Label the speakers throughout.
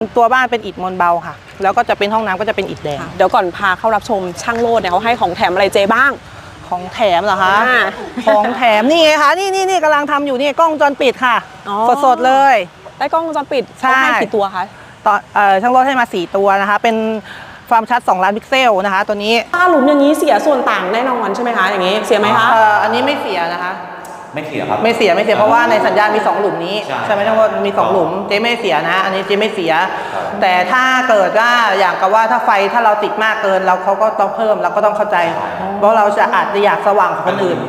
Speaker 1: ตัวบ้านเป็นอิฐมวลเบาค่ะแล้วก็จะเป็นห้องน้ำก็จะเป็นอิฐแดง
Speaker 2: เดี๋ยวก่อนพาเข้ารับชมช่างโลดเนี่ยเขาให้ของแถมอะไรเจบ้าง
Speaker 1: ของแถมเหรอคะของแถมนี่ไงคะนี่กำลังทำอยู่นี่กล้องวงจรปิดค่ะสดเลย
Speaker 2: ได้กล้องวงจรปิดเขาให้กี่ตัวคะ
Speaker 1: ช่างโลดให้มา4ตัวนะคะเป็นความชัด2 ล้านพิกเซลนะคะตัวนี้
Speaker 2: ถ้าหลุมอย่างนี้เสียส่วนต่างแน่นอนใช่ไหมคะอย่างนี้เสียไหมคะ
Speaker 1: อันนี้ไม่เสียนะคะ
Speaker 3: ไม่เสียครับ
Speaker 1: ไม่เสียเพราะว่าในสัญญาณมี2หลุมนี้ใช่ไหมทั้งหมดมี2หลุมเจ๊ไม่เสียนะอันนี้เจ๊ไม่เสียแต่ถ้าเกิดว่าอย่างกับว่าถ้าไฟถ้าเราติดมากเกินเราเขาก็ต้องเพิ่มเราก็ต้องเข้าใจเพราะเราจะอาจจะอยากสว่างกว่าคนอื่น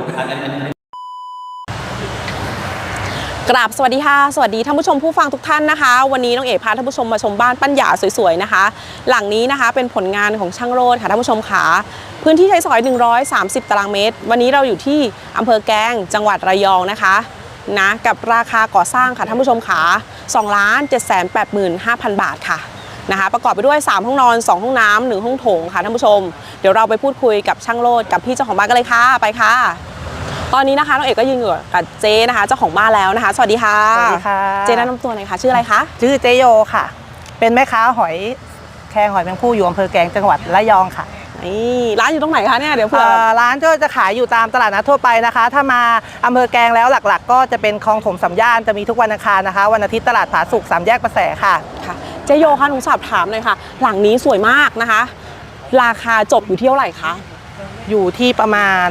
Speaker 2: กราบสวัสดีค่ะสวัสดีท่านผู้ชมผู้ฟังทุกท่านนะคะวันนี้น้องเอ๋พาท่านผู้ชมมาชมบ้านปัญญาสวยๆนะคะหลังนี้นะคะเป็นผลงานของช่างโรจน์ค่ะท่านผู้ชมขาพื้นที่ใช้สอย130ตารางเมตรวันนี้เราอยู่ที่อำเภอแกลงจังหวัดระยองนะคะกับราคาก่อสร้างค่ะท่านผู้ชมขา2,785,000 บาทค่ะนะคะประกอบไปด้วย3ห้องนอน2ห้องน้ำ1ห้องโถงค่ะท่านผู้ชมเดี๋ยวเราไปพูดคุยกับช่างโรจน์กับพี่เจ้าของบ้านกันเลยค่ะไปค่ะตอนนี้นะคะน้องเอกก็ยืนอยู่กับเจ๊นะคะเจ้าของบ้านแล้วนะคะสวัสดีค่ะ
Speaker 1: สวัสดีค่ะ
Speaker 2: เจ๊แนะนำตัวหน่อยค่ะชื่ออะไรคะ
Speaker 1: ชื่อเจโยค่ะเป็นแม่ค้าหอยแครงหอยแมงภู่อยู่อำเภอแกลงจังหวัดระยองค่ะ
Speaker 2: นี่ร้านอยู่ตรงไหนคะเนี่ยเดี๋ยวเผื่อ
Speaker 1: ร้านก็จะขายอยู่ตามตลาดนัดทั่วไปนะคะถ้ามาอำเภอแกลงแล้วหลักๆก็จะเป็นคลองถมสามย่านจะมีทุกวันอังคารนะคะวันอาทิตย์ตลาดผาสุก3 แยกประแสค่ะ
Speaker 2: เจโยคะหนูสอบถามเลยค่ะหลังนี้สวยมากนะคะราคาจบอยู่ที่เท่าไหร่คะ
Speaker 1: อยู่ที่ประมาณ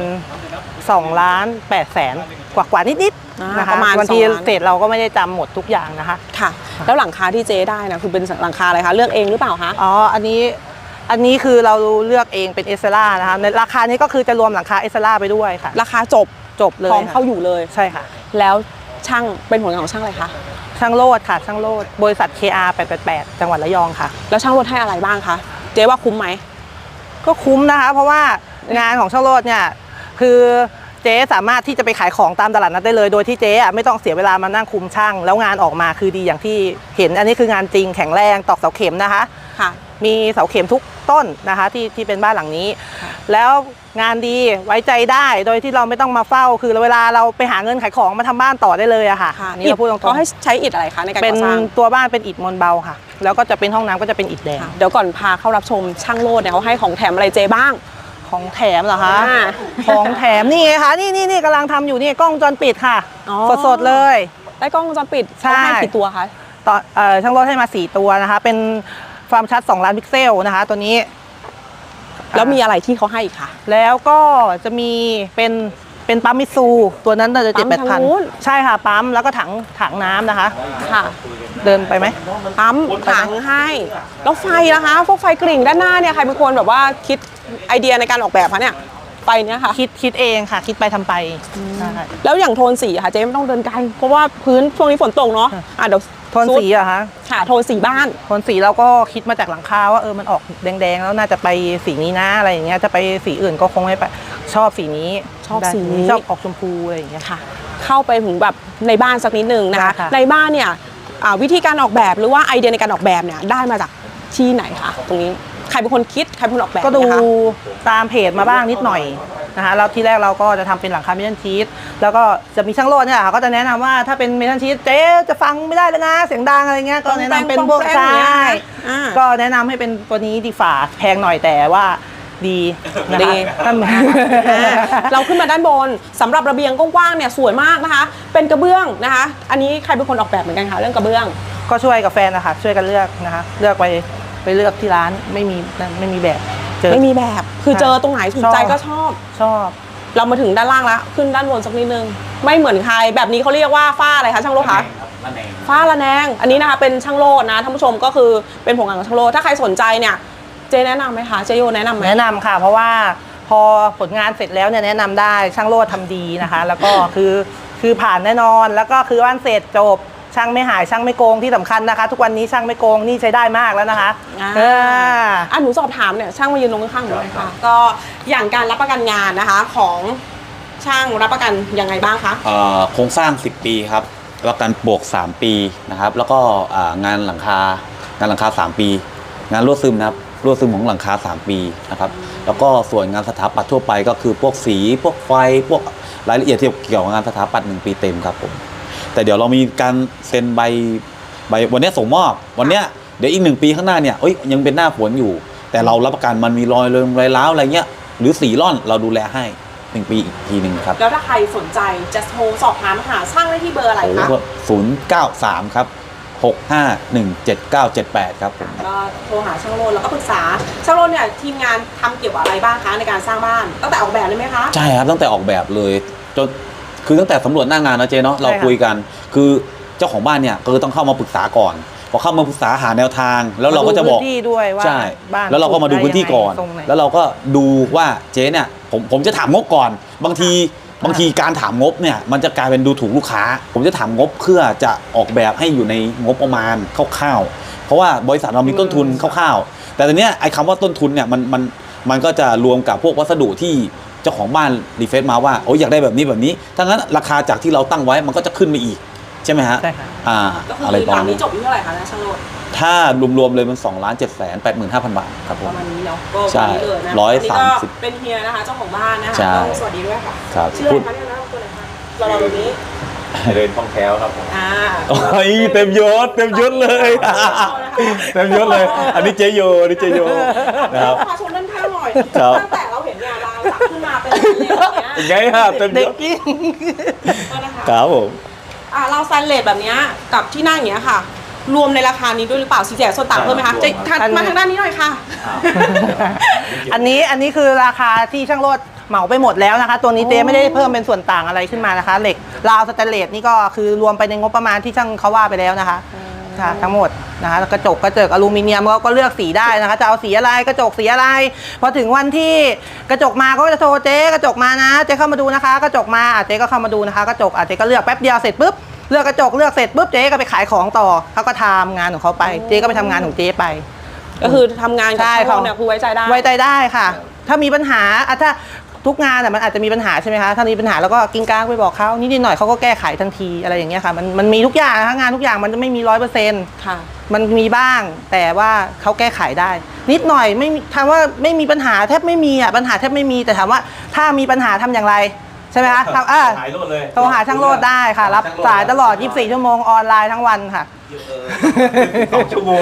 Speaker 1: 2,800,000กว่านิดๆนะคะ
Speaker 2: ประมาณ
Speaker 1: วันที่เสร็จเราก็ไม่ได้จำหมดทุกอย่างนะคะ
Speaker 2: ค่ะแล้วหลังคาที่เจ๊ได้นะคือเป็นหลังคาอะไรคะเลือกเองหรือเปล่าคะ
Speaker 1: อันนี้คือเราเลือกเองเป็นเอสเซล่านะคะในราคานี้ก็คือจะรวมหลังคาเอสเซล่าไปด้วยค่ะ
Speaker 2: ราคาจบเลยพร้อมเข้าอยู่เลย
Speaker 1: ใช่ค่ะ
Speaker 2: แล้วช่างเป็นผลงานของช่างอะไรคะ
Speaker 1: ช่างโรจน์ค่ะช่างโรจน์บริษัท KR 888จังหวัดระยองค่ะ
Speaker 2: แล้วช่างโรจน์ให้อะไรบ้างคะเจ๊ว่าคุ้มไหม
Speaker 1: ก็คุ้มนะคะเพราะว่างานของช่างโรจน์เนี่ยคือเจ๊สามารถที่จะไปขายของตามตลาดนัดได้เลยโดยที่เจ๊ไม่ต้องเสียเวลามานั่งคุมช่างแล้วงานออกมาคือดีอย่างที่เห็นอันนี้คืองานจริงแข็งแรงตอกเสาเข็มนะคะ
Speaker 2: ค่ะ
Speaker 1: มีเสาเข็มทุกต้นนะคะที่เป็นบ้านหลังนี้แล้วงานดีไว้ใจได้โดยที่เราไม่ต้องมาเฝ้าคือเวลาเราไปหาเงินขายของมาทำบ้านต่อได้เลยอะค่ะ
Speaker 2: นี่เราพูดตรงๆเขาให้ใช้อิฐอะไรคะในการก่อสร้าง
Speaker 1: เป็นตัวบ้านเป็นอิฐมวลเบาค่ะแล้วก็จะเป็นห้องน้ำก็จะเป็นอิฐแดง
Speaker 2: เดี๋ยวก่อนพาเข้ารับชมช่างโลดเนี่ยเขาให้ของแถมอะไรเจบ้าง
Speaker 1: ของแถมเหรอคะของแถมนี่ไงคะนี่กำลังทำอยู่นี่กล้องวงจรปิดค่ะสดเลย
Speaker 2: ได้กล้องวงจรปิดเขาให้กี่ตัวคะ
Speaker 1: ช่างโรจน์ให้มา4ตัวนะคะเป็นความชัด2 ล้านพิกเซลนะคะตัวนี้
Speaker 2: แล้วมีอะไรที่เขาให้อีกคะ
Speaker 1: แล้วก็จะมีเป็นปั๊มมิซูตัวนั้นจะ7-8,000ใช่ค่ะปั๊มแล้วก็ถังน้ำนะคะ
Speaker 2: ค่ะ
Speaker 1: เดินไปไหม
Speaker 2: ปั๊มถังให้แล้วไฟนะคะพวกไฟกริ่งด้านหน้าเนี่ยใครเป็นคนแบบว่าคิดไอเดียในการออกแบบคะเนี่ยไฟเนี้ยค่ะ
Speaker 1: คิดเองค่ะคิดไปทำไป
Speaker 2: แล้วอย่างโทนสีค่ะเจ๊ไม่ต้องเดินไกลเพราะว่าพื้นช่วงนี้ฝนตกเนาะเดี๋ยว
Speaker 1: โทนสีอะคะ
Speaker 2: ค่ะโทนสีบ้าน
Speaker 1: โทนสีเราก็คิดมาจากหลังคาว่ามันออกแดงๆแล้วน่าจะไปสีนี้นะอะไรอย่างเงี้ยจะไปสีอื่นก็คงไม่ไปชอบสีนี้ชอบออกชมพูอะไรอย่างเงี้ย
Speaker 2: ค่ะเข้าไปถึงแบบในบ้านสักนิดนึงนะคะในบ้านเนี่ยวิธีการออกแบบหรือว่าไอเดียในการออกแบบเนี่ยได้มาจากที่ไหนคะตรงนี้ใครเป็นคนคิดใครเป็นคนออกแบบ
Speaker 1: ก็ดูตามเพจมาบ้างนิดหน่อยนะคะแล้วที่แรกเราก็จะทำเป็นหลังคาเมทัลชีทแล้วก็จะมีช่างโรจน์เนี่ยก็จะแนะนำว่าถ้าเป็นเมทัลชีทเจ๊จะฟังไม่ได้เลยนะเสียงดังอะไรเงี้ยก็แนะนำเป็นพวกใช่ก็แนะนำให้เป็นตัวนี้ดีฝ่าแพงหน่อยแต่ว่าดี
Speaker 2: เราขึ้นมาด้านบนสำหรับระเบียงกว้างๆเนี่ยสวยมากนะคะเป็นกระเบื้องนะคะอันนี้ใครเป็นคนออกแบบเหมือนกันคะเรื่องกระเบื้อง
Speaker 1: ก็ช่วยกับแฟนนะคะช่วยกันเลือกนะคะเลือกไปเลือกที่ร้านไม่มีแบบ
Speaker 2: ไม่มีแบบคือเจอตรงไหนถูกใจก็ชอบเรามาถึงด้านล่างแล้วขึ้นด้านบนสักนิดนึงไม่เหมือนใครแบบนี้เขาเรียกว่าฝ้าอะไรคะช่างโรจน์คะฝ้าระแนงอันนี้นะคะเป็นช่างโรจน์นะท่านผู้ชมก็คือเป็นผลงานของช่างโรจน์ถ้าใครสนใจเนี่ยเจแนะนำไหมคะเจโยแนะนำไหม
Speaker 1: แนะนำค่ะเพราะว่าพอผลงานเสร็จแล้วเนี่ยแนะนำได้ช่างโรจน์ทำดีนะคะแล้วก็คือผ่านแน่นอนแล้วก็คือวันเสร็จจบช่างไม่หายช่างไม่โกงที่สำคัญนะคะทุกวันนี้ช่างไม่โกงนี่ใช้ได้มากแล้วนะคะ
Speaker 2: หนูสอบถามเนี่ยช่างมายืนตรงข้างหนูเลยค่ะก็อย่างการรับประกันงานนะคะของช่างรับประกันยังไงบ้างคะ
Speaker 3: โครงสร้าง10 ปีครับประกันบวก3 ปีนะครับแล้วก็งานหลังคา3 ปีงานรั่วซึมนะครับรั่วซึมของหลังคา3 ปีนะครับแล้วก็ส่วนงานสถาปัตย์ทั่วไปก็คือพวกสีพวกไฟพวกรายละเอียดที่เกี่ยวกับงานสถาปัตย์1 ปีเต็มครับผมแต่เดี๋ยวเรามีการเซ็นใบวันนี้ส่งมอบวันนี้เดี๋ยวอีก1 ปีข้างหน้าเนี่ยยังเป็นหน้าฝนอยู่ แต่เรารับประกันมันมีรอยร้าวอะไรเงี้ยหรือสีร่อนเราดูแลให้1 ปีอีกทีหนึ่งครับ
Speaker 2: แล้วถ้าใครสนใจจะโทรสอบถามหาช่างได้ที่เบอร์อะไรคะ
Speaker 3: 093 ครับ 6517978 ครับผม
Speaker 2: ก็โทรหาช่างโรดแล้วก็ปรึกษาช่างโรดเนี่ยทีมงานทำเกี่ยวกับอะไรบ้างคะในการสร้างบ้านตั้งแต่ออกแบบเลยไหมคะ
Speaker 3: ใช่ครับตั้งแต่ออกแบบเลยจนคือตั้งแต่สำรวจหน้างานนะเจ๊เนาะเรา
Speaker 1: ใช่ค่ะ
Speaker 3: คุยกันคือเจ้าของบ้านเนี่ยก็ต้องเข้ามาปรึกษาก่อนพอเข้ามาปรึกษาหาแนวทาง แล้วเราก็จะบอก
Speaker 1: มาดูพื้นที่ด้วยว่า
Speaker 3: ใช่
Speaker 1: บ้าน
Speaker 3: แล้วเราก็มาดูพื้นที่ก่อน
Speaker 1: ตรงไหน
Speaker 3: แล้วเราก็ดูว่าเจ๊เนี่ยผมจะถามงบก่อนบางทีการถามงบเนี่ยมันจะกลายเป็นดูถูกลูกค้า ผมจะถามงบเพื่อจะออกแบบให้อยู่ในงบประมาณคร่าวๆเพราะว่าบริษัทเรามีต้นทุนคร่าวๆแต่ตอนเนี้ยไอ้คำว่าต้นทุนเนี่ยมันก็จะรวมกับพวกวัสดุที่เจ้าของบ้านรีเฟซมาว่าอยากได้แบบนี้ถ้างั้นราคาจากที่เราตั้งไว้มันก็จะขึ้นไปอีกใช่ไหมฮะ
Speaker 1: ใช่ค่ะ
Speaker 2: ก็คือ
Speaker 3: อะไร
Speaker 2: ห
Speaker 3: ประ
Speaker 2: ลั
Speaker 3: มาณ
Speaker 2: งนี้
Speaker 3: นี้
Speaker 2: จบที่เท่าไหร่คะนะช่างโรด
Speaker 3: ถ้ารวมๆเลยมัน2,785,000 บาทครับผ
Speaker 2: ป
Speaker 3: ม
Speaker 2: ระมาณนี้เนาะก็
Speaker 3: ใช่
Speaker 2: ประมาณนี้เลยนะ
Speaker 3: 130
Speaker 2: อันนี้ก็เป็นเฮียนะคะเจ้าของบ้านนะคะ
Speaker 3: ใช่
Speaker 2: ต้องสวัสดีด้วยค่ะ
Speaker 3: ครับ
Speaker 2: ชื่ออะไรคะเนี่ยนะตัวไหนคะเราตรงนี้
Speaker 3: เดินท่องแถวครับผม
Speaker 2: โอ้
Speaker 3: ยเต็มยศเลย เต็มยศเลย อันนี้เจโยนะครับ
Speaker 2: พาชมด้านข้างหน่อย
Speaker 3: ครับ
Speaker 2: ตั้งแต่เราเห็นเนี่ยลายสักขึ้นมาเป็นแบบเนี้ย
Speaker 3: เป็นไงฮะเต็มย
Speaker 1: เด็ก
Speaker 3: ศ
Speaker 1: จริง
Speaker 2: ก็นะคะ
Speaker 3: ครับผม
Speaker 2: เราสแตนเลสแบบเนี้ยกับที่นั่งอย่างเงี้ยค่ะ รวมในราคานี้ด้วยหรือเปล่าสีแจกส่วนต่างเพิ่มไหมคะจะมาทางด้านนี้หน่อยค่ะ
Speaker 1: อันนี้คือราคาที่ช่างโรดเหมาไปหมดแล้วนะคะ ตัวนี้เจ๊ไม่ได้เพิ่มเป็นส่วนต่างอะไรขึ้นมานะคะ เหล็กราวสแตนเลสนี่ก็คือรวมไปในงบประมาณที่ช่างเขาว่าไปแล้วนะคะค่ะทั้งหมดนะคะแล้วกระจกอลูมิเนียมก็เลือกสีได้นะคะจะเอาสีอะไรกระจกสีอะไรพอถึงวันที่กระจกมาก็จะโทรเจ๊กระจกมานะเจ๊เข้ามาดูนะคะ กระจกมาเจ๊ก็เข้ามาดูนะคะกระจกเจ๊ก็เลือกแป๊บเดียวเสร็จปุ๊บเลือกกระจกเลือกเสร็จปุ๊บเจ๊ก็ไปขายของต่อเขาก็ทำงานของเขาไปเจ๊ก็ไปทำงานของเจ๊ไป
Speaker 2: ก็คือทำงานกับ
Speaker 1: ใช่
Speaker 2: ช่างโร
Speaker 1: ค่ะ
Speaker 2: ดเนี่ยคือไว้ใจได้
Speaker 1: ไว้ใจได้ค่ะ ถ้ามีปัญหาถ้าทุกงานมันอาจจะมีปัญหาใช่ไหมคะ ถ้ามีปัญหาแล้วก็กิ้งก้างไปบอกเขานิดหน่อยเขาก็แก้ไขทันทีอะไรอย่างเงี้ยค่ะ มันมีทุกอย่างนะคะงานทุกอย่างมันจะไม่มี100%
Speaker 2: ค่ะ
Speaker 1: มันมีบ้าง แต่ว่าเขาแก้ไขได้ นิดหน่อยไม่มีถามว่าไม่มีปัญหาแทบไม่มีปัญหาแทบไม่มี แต่ถามว่าถ้ามีปัญหาทำอย่างไรใช่ไหมคะโทรหาช่างโรดได้ค่ะ รับสายตลอด 24 ชั่วโมงออนไลน์ทั้งวันค่ะ
Speaker 3: 2 ชั่วโมง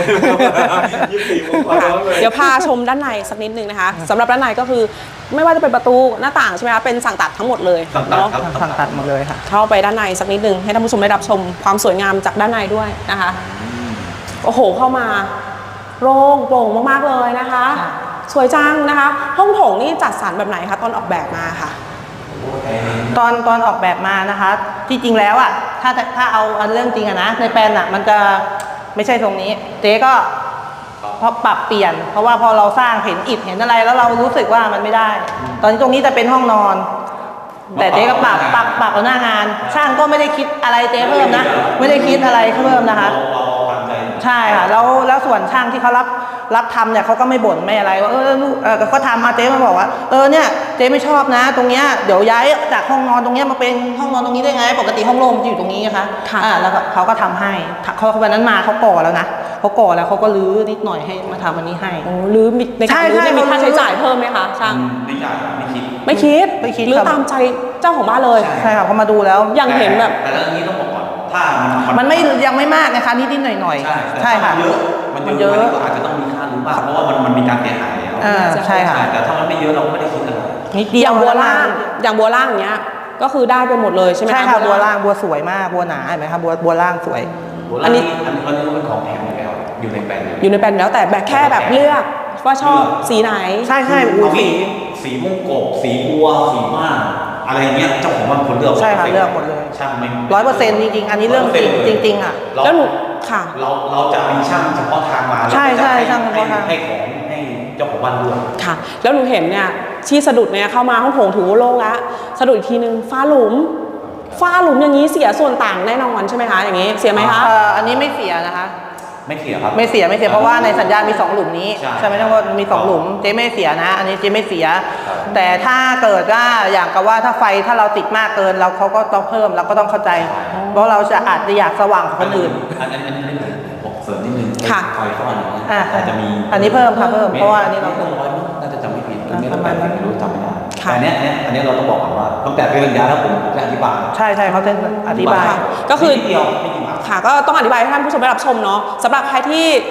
Speaker 3: 24 โมงกว่าเลย
Speaker 2: เดี๋ยวพาชมด้านในสักนิดนึงนะคะสำหรับด้านในก็คือไม่ว่าจะเป็นประตูหน้าต่างใช่ไหมคะเป็นสั่งตัดทั้งหมดเลย
Speaker 3: สั่งตัด
Speaker 2: เนาะ
Speaker 3: ครับ
Speaker 1: สั่งตัดหมดเลยค่ะ
Speaker 2: เข้าไปด้านในสักนิดนึงให้ท่านผู้ชมได้รับชมความสวยงามจากด้านในด้วยนะคะโอ้โหเข้ามาโล่งโปร่งมากๆเลยนะคะ สวยจังนะคะ ห้องโถงนี่จัดสรรแบบไหนคะตอนออกแบบมาค่ะ
Speaker 1: ตอนออกแบบมานะคะ ที่จริงแล้วอ่ะถ้าเอาอันเรื่องจริงอะนะในแปลนอ่ะมันจะไม่ใช่ตรงนี้เจ๊ก็พอปรับเปลี่ยน เพราะว่าพอเราสร้างเห็นอิฐเห็นอะไรแล้วเรารู้สึกว่ามันไม่ได้ ตอนนี้ตรงนี้จะเป็นห้องนอน แต่เจ๊ก็ปรับเอาหน้างาน ช่างก็ไม่ได้คิดอะไรเจ๊เพิ่มนะไม่ได้คิดอะไรเพิ่มนะคะ ใช่ค่ะแล้วส่วนช่างที่เขารับทำเนี่ยเขาก็ไม่บ่นไม่อะไรว่าลูกเขาทำมาเจ๊มาบอกว่าเนี่ยเจ๊ไม่ชอบนะ ตรงเนี้ยเดี๋ยวย้ายจากห้องนอนตรงเนี้ยมาเป็นห้องนอนตรงนี้ได้ไงปกติห้องโล่งจะอยู่ตรงนี้นะคะ
Speaker 2: ค่ะ
Speaker 1: แล้วก็เขาก็ทำให้เขาวันนั้นมาเขาก่อแล้วนะเขาก่อแล้วเขาก็รื้อนิดหน่อยให้มาทำอันนี้ให้
Speaker 2: โอ้หรือในการรื้อ
Speaker 1: ใช่
Speaker 2: จะมีค่า
Speaker 1: เขารื้อ
Speaker 2: ใช้จ่ายเพิ่มไหมคะช่าง
Speaker 3: ไม่อยากไม่คิด
Speaker 2: ไม่คิด
Speaker 1: ไม่คิด
Speaker 2: หรือ
Speaker 1: ครับ
Speaker 2: ตามใจเจ้าของบ้านเลย
Speaker 1: ใช่ค่ะเขามาดูแล้ว
Speaker 2: อย่างเห็นแบบ
Speaker 3: แต่เรื่องนี้ต้องบอกก่อนถ้า
Speaker 1: มันไม่ยังไม่มากนะคะนิดๆหน่อยๆใช่ค่ะ
Speaker 3: มันเยอะมันก็อาจจะต้องมีค่าหรือบ้างเพราะว่ามันมีการเสียหายแล้ว
Speaker 1: ใช่ค่ะ
Speaker 3: แต่ถ้ามันไม่เยอะเราก็ไม่ได้คิดอะไร
Speaker 1: นิด
Speaker 2: อ
Speaker 1: เดียว
Speaker 2: ย่างบัวล่างอย่างบัวล่างอย่างเงี้ยก็คือได้ไปหมดเลยใช่ไหม
Speaker 1: ใช่ค่ะบัวล่างบัวสวยมากบัวหนาเห็นไหมคะบัวล่างสวย
Speaker 2: อันนี้
Speaker 3: อันนี้ก็เป็นของแถมอยู่แล้วอยู่ในแปลน
Speaker 2: อยู่ในแปลนแล้วแต่แบบแค่แบบเลือกว่าชอบสีไหน
Speaker 1: ใช่ใช่
Speaker 3: เอางี้สีม่วงกบสีบัวสีม่านอะไรเงี้ยเจ้าของบ้านคนเลือก
Speaker 1: ใช่ค่ะเลือกหมดเลย
Speaker 3: ช่างไม่
Speaker 1: 100%จริงๆอันนี้เรื่องจริงๆอ่ะ
Speaker 2: แล้วหนูค่ะ
Speaker 3: เราจะมีช่างเฉพาะทางมา
Speaker 1: ใช่
Speaker 3: แล้วก็จะ
Speaker 1: ช่างเฉพาะทาง
Speaker 3: ให้ของให้เจ้าของบ้านเลือก
Speaker 2: ค่ะ แล้วหนูเห็นเนี่ยที่สะดุดเนี่ยเข้ามาห้องโถงถือว่าโล่งละสะดุดอีกทีนึงฝ้าหลุมอย่างนี้เสียส่วนต่างแน่นอนใช่ไหมคะอย่างนี้เสียไหมคะ
Speaker 1: อันนี้ไม่เสียนะคะ
Speaker 3: ไม่เสียครับ
Speaker 1: ไม่เสียเพราะว่าในสัญญามี2หลุมนี้
Speaker 3: ใช่
Speaker 1: ใช่ไหมทั้งหมดมี2หลุมเจ๊ไม่เสียนะ อันนี้เจ๊ไม่เสีย แต่ถ้าเกิดว่าอย่างกับว่าถ้าไฟถ้าเราติดมากเกินเราเขาก็ต้องเพิ่มเราก็ต้องเข้าใจ เพราะเราจะอาจจะอยากสว่างกว่าคนอื่น
Speaker 3: อันนี้บอกเสริมนิดนึง
Speaker 2: ค่ะ
Speaker 3: ไฟฟ้าอย่างเงี้ย
Speaker 1: อ่า
Speaker 3: อาจจะมี
Speaker 1: อันนี้เพิ่มค่ะเพิ่มเพราะว่าอันนี้เรา
Speaker 3: เพิ่มร้อยมั้งน่าจะจำไม่ผิดตรงนี้
Speaker 1: ป
Speaker 3: เรา
Speaker 1: ระ
Speaker 3: แบ
Speaker 1: มาณ
Speaker 3: บ
Speaker 1: นั้น
Speaker 3: ไม่รู้จำไม่ได้
Speaker 2: ค่ะ
Speaker 3: แต่อันเนี้ยเราต้องบอกก่อนว่าตั้งแต่เป็นสัญญาแล้วผมจะอธิบาย
Speaker 1: ใช่เขาจะอธิบาย
Speaker 2: ก็คือ
Speaker 3: นิดเดียวไม่กี่บาท
Speaker 2: ค่ะก็ต้องอธิบายให้ท่านผู้ชมได้รับชมเนาะสำหรับใครที่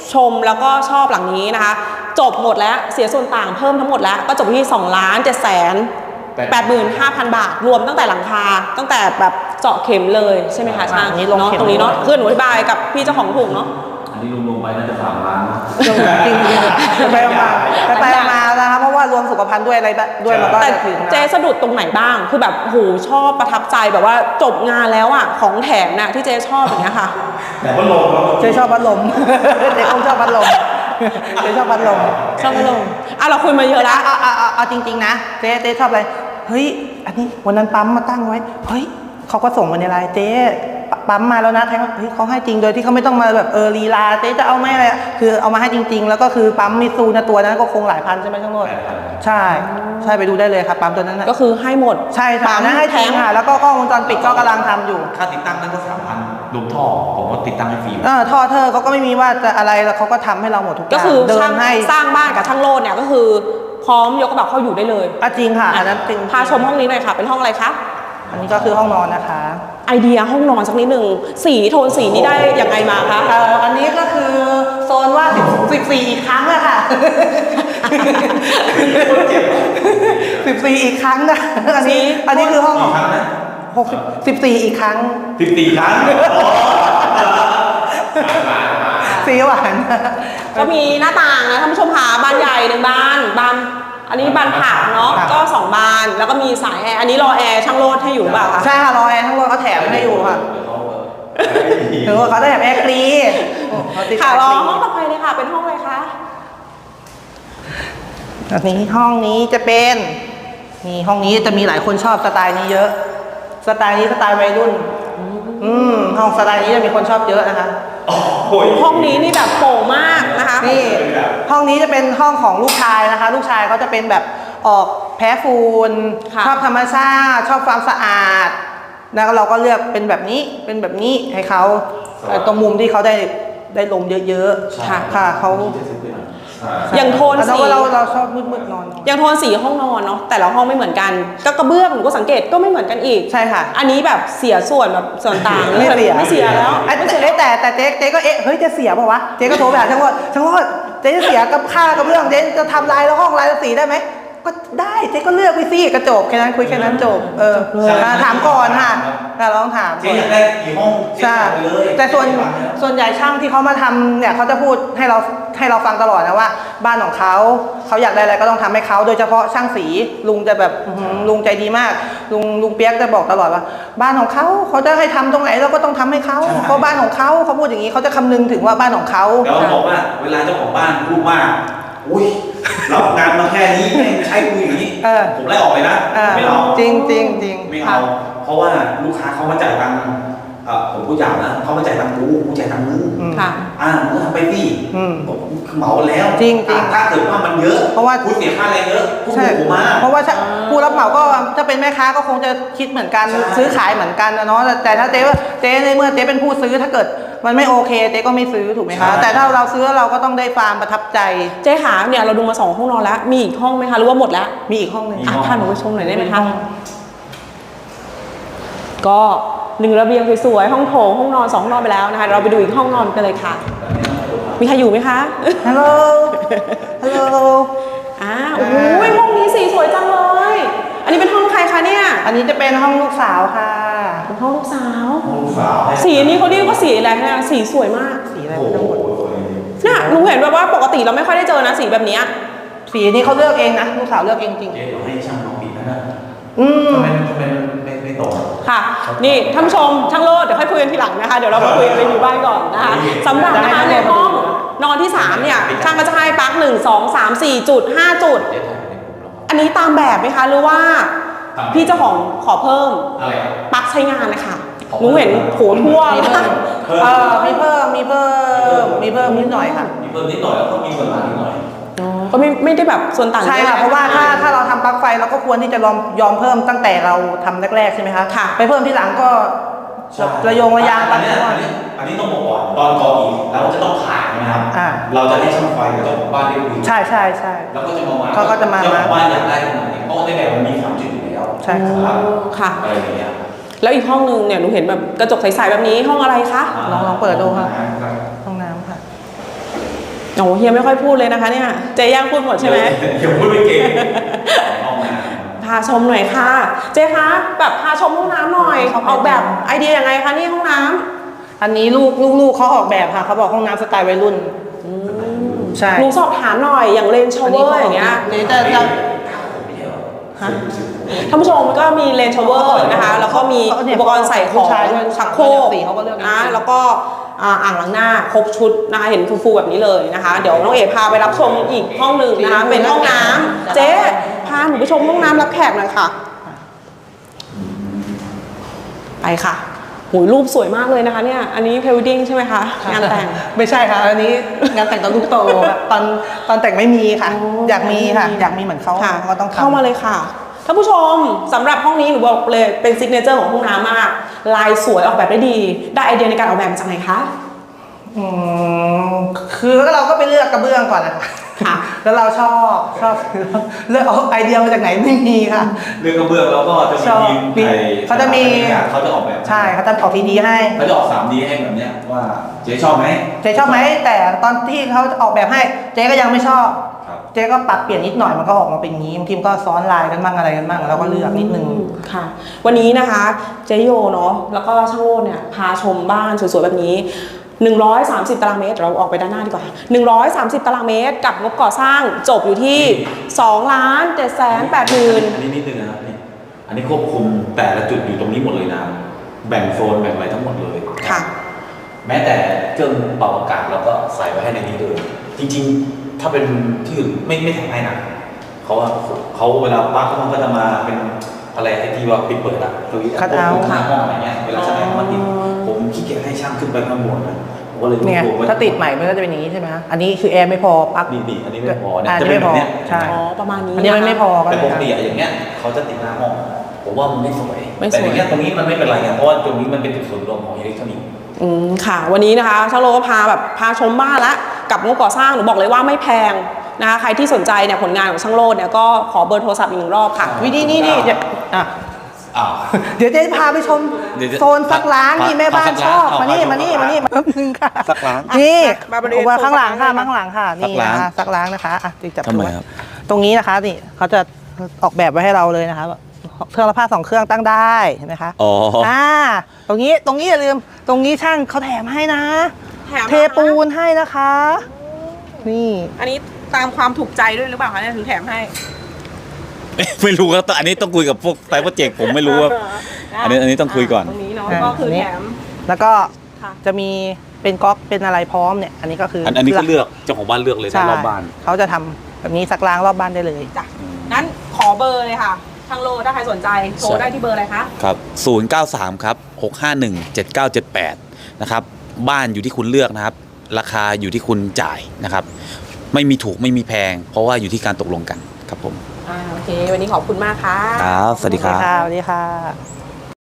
Speaker 2: ชมแล้วก็ชอบหลังนี้นะคะจบหมดแล้วเสียส่วนต่างเพิ่มทั้งหมดแล้วก็จบที่2,785,000 บาทรวมตั้งแต่หลังคาตั้งแต่แบบเจาะเข็มเลยใช่ไหมคะช่าง
Speaker 1: นี่ลง
Speaker 2: เนาะ
Speaker 1: เข็ม
Speaker 2: ตรงนี้เนาะคือหนูอธิบายกับพี่เจ้าของถูกเนาะ
Speaker 3: อันนี้รวมๆไปน่าจะ3 ล้าน
Speaker 1: จริงๆไปมานะคะเพราะว่ารวมสุขภัณฑ์ด้วยอะไรด้วยมันก็
Speaker 2: แต่
Speaker 1: จะถึงนะ
Speaker 2: เจ๊สะดุดตรงไหนบ้างคือแบบโหชอบประทับใจแบบว่าจบงานแล้วอ่ะของแถมน่ะที่เจ๊ชอบอย่างเงี้ยค่ะ
Speaker 3: แต่ว่าลงแล้ว
Speaker 1: เจ๊ชอบพัดลม เจ๊คงชอบพัดลมเจ๊ชอบพัดลม
Speaker 2: ชอบพัดลมอ่ะเราคุยมาเยอะแล้ว
Speaker 1: เอาจริงๆนะเจ๊ชอบอะไรเฮ้ยอันนี้วันนั้นปั๊มมาตั้งไว้เฮ้ยเขาก็ส่งมาในไลน์เจ๊ปั๊มมาแล้วนะแทงเฮ้ยเขาให้จริงโดยที่เขาไม่ต้องมาแบบลีลาเจ๊จะเอาไหมอะไรคือเอามาให้จริงๆ แล้วก็คือปั๊มมิซูนะตัวนั้นก็คงหลายพันใช่ไหมช่างโรจน์ใช่ไปดูได้เลยครับปั๊มตัวนั้นนะ
Speaker 2: ก็คือให้หมด
Speaker 1: ใช่ค่ะนะให้จริงค่ะแล้วก็กล้องวงจรปิดก็กำลังทำอยู่
Speaker 3: ค่าติดตั้งนั่นก็3,000รวมท่อผมว่าติดตั้งให้ฟรี
Speaker 1: ท่อเธอเขาก็ไม่มีว่าจะอะไรแล้วเขาก็ทำให้เราหมดทุกอย่าง
Speaker 2: ก็คือ
Speaker 1: เดิ
Speaker 2: ช่าน ง
Speaker 1: ให้
Speaker 2: สร้างบ้านกับช่างโลดเนี่ยก็คือพร้อมยกกระเป๋าเข้าอยู่ได้เลย
Speaker 1: จริงค่ะอันนั้นจริง
Speaker 2: พาชมห้องนี้หน่อยค่ะเป็นห้องอะไรคะ
Speaker 1: อันนี้ก็คือห้องนอนนะคะ
Speaker 2: ไอเดียห้องนอนสักนิดหนึ่งสีโทนสีนี้ได้ยังไงมาคะ
Speaker 1: อันนี้ก็คือโซนว่า14อีกครั้งอะค่ะ 14อีกครั้งนะอันนี้คือห้อง14อีกครั้ง
Speaker 3: 14 ครั้ง
Speaker 1: สีหวาน
Speaker 2: ก็มีหน้าต่างนะท่านผู้ชมค่ะบานใหญ่1 บานอันนี้บานผักเนาะ
Speaker 1: ครับ
Speaker 2: ก็2 บานแล้วก็มีสายแอร์อันนี้รอแอร์ช่างโลดให้อยู่หรือเปล่าคะ
Speaker 1: ใช่ค่ะรอแอร์ทั้งหมดเขาแถมให้อยู่ค่ะถึงว่าเขาได้แถมแอร์ฟรีเขาติด
Speaker 2: ค่ะรอ
Speaker 1: แร์ฟ
Speaker 2: ห้องต่อไปเลยค่ะเป็นห้องอะไรคะ
Speaker 1: อันนี้ห้องนี้จะเป็นนี่ห้องนี้จะมีหลายคนชอบสไตล์นี้เยอะ สไตล์นี้สไตล์วัยรุ่นห้องสไตล์นี้จะมีคนชอบเยอะนะคะ
Speaker 2: ห้องนี้นี่แบบโปร่งมากนะคะ
Speaker 1: นี่ห้องนี้จะเป็นห้องของลูกชายนะคะ ลูกชายเขาจะเป็นแบบออกแพ้ฝุ่น
Speaker 2: ค่ะ
Speaker 1: ชอบธรรมชาติชอบความสะอาดแล้วเราก็เลือกเป็นแบบนี้ให้เขาตรงมุมที่เขาได้ลมเยอะๆค่ะเขา
Speaker 2: อย่างโทน
Speaker 1: แล้ว
Speaker 2: สี
Speaker 1: ก็เราชอบมืดๆนอน
Speaker 2: อย่างโทนสีห้องนอนเนาะแต่ละห้องไม่เหมือนกันก็กระเบื้องหนูก็สังเกตก็ไม่เหมือนกันอีก
Speaker 1: ใช่ค่ะ
Speaker 2: อันนี้แบบเสียส่วนแบบส่วนต่าง
Speaker 1: ไม่เสีย
Speaker 2: ไม่เสียแล้ว
Speaker 1: แต่เจ๊ก็เฮ้ยจะเสียเปล่าวะเจ๊ก็โทรไปหาช่างว่าเจ๊จะเสียกับค่ากระเบื้องเจ๊จะทำลายแล้วห้องลายสีได้ไหมก็ได้เจ๊ก็เลือกไปสิกระจกแค่นั้นคุยแค่นั้นจบถามก่อนค่ะเราต้องถาม
Speaker 3: เจ๊อยากได้กี่ห้อง
Speaker 1: ใช่แต่ส่วนใหญ่ช่างที่เขามาทำเนี่ยเขาจะพูดให้เราฟังตลอดนะว่า บ้านของเขาอยากได้อะไรก็ต้องทำให้เขาโดยเฉพาะช่างสีลุงจะแบบลุงใจดีมากลุงเปียกจะบอกตลอดว่า บ้านของเขาจะให้ทำตรงไหนเราก็ต้องทำให้เขาเพราะบ้านของเขาพูดอย่างนี้เขาจะคำนึงถึงว่าบ้านของเขา
Speaker 3: แล้วบอกว่าเวลาเจ้าของบ้านพูดว่าอุ้ยรับงานมาแค่นี้แม่งใช้กูอย่างนี้ผมไล่ออกเลยนะไม่เอา
Speaker 1: จริง
Speaker 3: ไม่เอาเพราะว่าลูกค้าเขามาจ่ายตังค์ผมพูดอย่างนะเขามาจ่ายตังค์กูจ่ายตังค์มึง
Speaker 2: ค่ะ
Speaker 3: มึงทำไปสิผมเหมาแล้ว
Speaker 1: จริง
Speaker 3: ถ้าเกิดว่ามันเยอะ
Speaker 1: เพราะว่า
Speaker 3: คุณเสียค่าแรงเยอะคุณ
Speaker 1: ใช่
Speaker 3: ถูกมาก
Speaker 1: เพราะว่าผู้รับเหมาก็ถ้าเป็นแม่ค้าก็คงจะคิดเหมือนกัน
Speaker 3: ใช่
Speaker 1: ซื้อขายเหมือนกันนะเนาะแต่ถ้าเจ๊ในเมื่อเจ๊เป็นผู้ซื้อถ้าเกิดมันไม่โอเคเจ๊ก็ไม่ซื้อถูกไหมคะแต่ถ้าเราซื้อเราก็ต้องได้ความประทับใจ
Speaker 2: เจ๊ขาเนี่ยเราดูมา2 ห้องนอนแล้วมีอีกห้องไหมคะหรือว่าหมดแล้ว
Speaker 1: มีอีกห้องหนึ่ง
Speaker 2: พาหนูไปชมหน่อยได้ไหมคะก็1 ระเบียงสวยๆห้องโถงห้องนอน2 ห้องนอนไปแล้วนะคะเราไปดูอีกห้องนอนกันเลยค่ะมีใครอยู่ไหมคะ
Speaker 1: ฮัลโหลฮัลโหล
Speaker 2: โอ้โหห้องนี้สีสวยจังเลยอันนี้เป็นห้องใครคะเนี่ย
Speaker 1: อันนี้จะเป็นห้องลูกสาวค่ะ
Speaker 2: เป็นห้องลูกสาว
Speaker 3: ลูกสาว
Speaker 2: สีนี้เขาเรียกว่าสีอะไรนะสีสวยมาก
Speaker 1: สีอะไร
Speaker 3: โอ้
Speaker 1: ไม่
Speaker 3: โห
Speaker 1: รู้หมด
Speaker 2: น่ะหนูเห็นแบบว่าปกติเราไม่ค่อยได้เจอนะสีแบบเนี้ย
Speaker 1: สีนี้เขาเลือกเองนะลูกสาวเลือกเองจริง
Speaker 3: เจ๊เดี๋ยวให้ช่างน้องปิดนะ
Speaker 1: อืม
Speaker 3: ทำไมไม่ตก
Speaker 2: ค่ะ นี่ท่านผู้ชมช่างโลดเดี๋ยวค่อยคุยกันทีหลังนะคะเดี๋ยวเรามาคุยกันรีวิวบ้านก่อนนะคะสำหรับนะคะในห้องนอนที่3เนี่ยช่างก็จะให้ปลั๊ก1 2 3 4 จุด 5 จุด อันนี้ตามแบบไหมคะหรือว่าพี่เจ้าของขอเพิ่ม
Speaker 3: อะไร
Speaker 2: ปลั๊กใช้งานนะคะหนูเห็นโถทั่วมาก
Speaker 1: มีเพิ่มนิดหน่อยค่ะ
Speaker 3: มีเพิ่มนิดหน่อยแล้วก็มีส่วนต่างนิดหน่อย
Speaker 2: ก็ไม่ได้แบบส่วนต่าง
Speaker 1: ใช่ค่ะเพราะว่าถ้าเราทำปลั๊กไฟเราก็ควรที่จะยอมเพิ่มตั้งแต่เราทำแรกๆใช่ไหมคะ
Speaker 2: ค่ะ
Speaker 1: ไปเพิ่มที่หลังก็ระยงระยาง
Speaker 3: อันนี้ต้องบอกก่อนตอนก่ออีกเราจะต้องผ่านนะครับเราจะให้ช่างไฟกับเจ้าของบ้านได้คุย
Speaker 1: ใช่
Speaker 3: แล้วก็จะมา
Speaker 1: เขาก็จะมา
Speaker 3: เจ้าของบ้านอยากได้ตรงไหนเพราะว่าในแบบมันมี3 จุดอยู่แล้ว
Speaker 1: ใช่
Speaker 2: ค่ะ
Speaker 3: อะไรอย่างเงี้ย
Speaker 2: แล้วอีกห้องนึงเนี่ยหนูเห็นแบบกระจกใสๆแบบนี้ห้องอะไรคะ
Speaker 1: ลองเปิดดูค่ะห้องน้ำค่ะ
Speaker 2: โอ้เฮียไม่ค่อยพูดเลยนะคะเนี่ยเจ๊ย่างพูดหมดใช่ไหม
Speaker 3: เดี๋ยวพูดไม่เก่ง
Speaker 2: พาชมหน่อยค่ะ เจ๊คะแบบพาชมห้องน้ำหน่อยออกแบบไอเดียยังไงคะนี่ห้องน้ำ
Speaker 1: อันนี้ลูกเขาออกแบบค่ะเขาบอกห้องน้ำสไตล์วัยรุ่นใช่
Speaker 2: ลุงสอบถามหน่อยอย่างเลนชาวเวอร์อย่างเงี้ย
Speaker 1: นี่จะฮะ
Speaker 2: ท่านผู้ชมก็มีเลนชาวเวอร์นะคะแล้วก็มีอุปกรณ์ใส่ของชักโครก
Speaker 1: เขาก็เลือก
Speaker 2: นะแล้วก็อ่างล้างหน้าครบชุดนะคะเห็นฟูๆแบบนี้เลยนะคะเดี๋ยวน้องเอ๋พาไปรับชมอีกห้องหนึ่งนะคะเป็นห้องน้ำเจ๊พาหนูไปชมห้องน้ำรับแขกหน่อยค่ะไปค่ะหูยรูปสวยมากเลยนะคะเนี่ยอันนี้เพลวดิ้งใช่ไหมคะงานแต่ง
Speaker 1: ไม่ใช่ค่ะอันนี้งานแต่งตอนลูกโตค่ะตอนแต่งไม่มีค่ะ อยากมีค่ะอยากมีเหมือนเขา
Speaker 2: ค่ะ
Speaker 1: ก็ต้องทำ
Speaker 2: เข้ามาเลยค่ะท่านผู้ชมสำหรับห้องนี้หนูบอกเลยเป็นซิกเนเจอร์ของห้องน้ำมากลายสวยออกแบบได้ดีได้ไอเดียในการออกแบบมาจากไหนคะ
Speaker 1: คือเราก็ไปเลือกกระเบื้องก่อนนะคะ
Speaker 2: ค่ะ
Speaker 1: แล้วเราชอบเลือกเอาไอเดียมาจากไหนไม่มีค่ะ
Speaker 3: เรื่องกระเบื้องเราก็จะมี
Speaker 1: ชอบ
Speaker 3: ทีมไทย
Speaker 1: เขาจะมี
Speaker 3: เขาจะออกแบบ
Speaker 1: ใช่เขาจะออกทีดีให้
Speaker 3: เขาจะออก 3D ให้แบบเนี้ยว่าเจ๊ชอบไหม
Speaker 1: เจ๊ชอบไหมแต่ตอนที่เขาออกแบบให้เจ๊ก็ยังไม่ชอบ
Speaker 3: ครับ
Speaker 1: เจ๊ก็ปรับเปลี่ยนนิดหน่อยมันก็ออกมาเป็นอย่างนี้บางทีมันก็ซ้อนลายกันบ้างอะไรกันบ้างแล้วก็เลือกนิดนึง
Speaker 2: ค่ะ วันนี้นะคะเจโยเนาะแล้วก็ช่างโลดเนี่ยพาชมบ้านสวยๆแบบนี้130 ตารางเมตรเราออกไปด้านหน้าดีกว่า130 ตารางเมตรกับงบก่อสร้างจบอยู่ที่2,780,000
Speaker 3: อันนี้นิดนึงนะครับนี่อันนี้ควบคุมแต่ละจุดอยู่ตรงนี้หมดเลยนะแบ่งโซนแบ่งอะไรทั้งหมดเลย
Speaker 2: ค่ะ
Speaker 3: แม้แต่เครื่องเป่าอากาศเราก็ใส่ไว้ให้ในนี้เลยจริงๆ ถ้าเป็นที่อื่นไม่ทำให้นะเขาเวลาปลั๊กมันก็จะมาเป็นอะไรไอ้ที่ว่าปิดเปิดอะตัวนี้
Speaker 1: คัทเอาท์
Speaker 3: หน้าห้องอะไรเงี้ยเวลาช่างมันติดผมขี้เกียจให้ช่างขึ้นไปข้างบนนะผมก็เลย
Speaker 1: เนี่ย
Speaker 3: รวบไว้
Speaker 1: ถ้าติดใหม่มันก็จะเป็นอย่างนี้ใช่ไหมอันนี้คือแอร์ไม่พอปลั๊ก
Speaker 3: นี่อันนี้ไม่พอเนี่ย
Speaker 1: อัน
Speaker 3: จะ
Speaker 1: นี้
Speaker 3: เป็น
Speaker 1: ไม่พอ
Speaker 3: แบบเนี้ย
Speaker 1: ใช่
Speaker 2: อ๋อประมาณนี้
Speaker 1: อันนี้มันไม่พอก็
Speaker 3: แต่
Speaker 1: เลย
Speaker 3: ปกติอะอย่างเงี้ยเขาจะติดหน้าห้องผมว่ามันไม่สวย
Speaker 2: ไม่สวย
Speaker 3: แต่อย่างเงี้ยตรงนี้มันไม่เป็นไรไงเพราะว่าตรงนี้มันเป็นจุดส่วนรวมของอิเล็กทรอนิกส์
Speaker 2: ค่ะ วันนี้นะคะช่างโลก็พาชมบ้านละกับงบก่อสร้างหนูบอกเลยว่าไม่แพงนะคะใครที่สนใจเนี่ยผลงานของช่างโลดเนี่ยก็ขอเบอร์โทรศัพท์อีก1 รอบค่ะ
Speaker 1: วิธีนี้เดี๋ยวอ่ะ
Speaker 3: อ้าว
Speaker 1: เดี๋ยวเจ๊พาไปชม
Speaker 3: เดี๋ยว
Speaker 1: โซนซักล้างนี่แม่บ้านชอบมานี่แป๊บนึงค่ะ
Speaker 3: ซักล้าง
Speaker 1: นี่
Speaker 2: มาบริเวณ
Speaker 1: มาข้างหลังค่ะ
Speaker 2: โซนซักล้าง
Speaker 1: ข้างหลังค่ะนี่
Speaker 3: ซักล้าง
Speaker 1: นะคะซักล้างนะคะอ่ะจับ
Speaker 3: ทำไม
Speaker 1: ดู
Speaker 3: ครับ
Speaker 1: ตรงนี้นะคะนี่เขาจะออกแบบไว้ให้เราเลยนะคะเครื่องละผ้า2 เครื่องตั้งได้เห็นไหมคะ
Speaker 3: อ๋อ
Speaker 1: ตรงนี้อย่าลืมตรงนี้ช่างเขาแถมให้นะ
Speaker 2: แถม
Speaker 1: เทปูนให้นะคะ นี่
Speaker 2: อันนี้ตามความถูกใจด้วยหรือเปล่าคะเนี่ยถึงแถมให้
Speaker 3: ไม่รู้ครับอันนี้ต้องคุยกับพวกไซต์โปรเจกต์ผมไม่รู้ว่า อันนี้ต้องคุยก่อน
Speaker 2: ตรงนี้เนาะ
Speaker 1: อ่า
Speaker 2: ก็คือ
Speaker 1: อันนี้
Speaker 2: แถม
Speaker 1: แล้วก็
Speaker 2: ค่ะ
Speaker 1: จะมีเป็นก๊อกเป็นอะไรพร้อมเนี่ยอันนี้ก็คือ
Speaker 3: อันนี้ก็เลือกเจ้าของบ้านเลือกเลย
Speaker 1: ใช่
Speaker 3: นะรอบบ้าน
Speaker 1: เขาจะทำแบบนี้ซักล้างรอบบ้านได้เลย
Speaker 2: จ้ะงั้นขอเบอร์เลยค่ะทางโลถ้าใครสนใจโทรได้ที่เบอร์อะไรคะ
Speaker 3: ครับ 093 ครับ 651 7978 นะครับ บ้านอยู่ที่คุณเลือกนะครับ ราคาอยู่ที่คุณจ่ายนะครับ ไม่มีถูกไม่มีแพง เพราะว่าอยู่ที่การตกลงกันครับผม
Speaker 2: โอเค วันนี้ขอบคุณมากค่ะ
Speaker 3: ครับ สวัสดีครับ
Speaker 1: สวัสดีค่ะ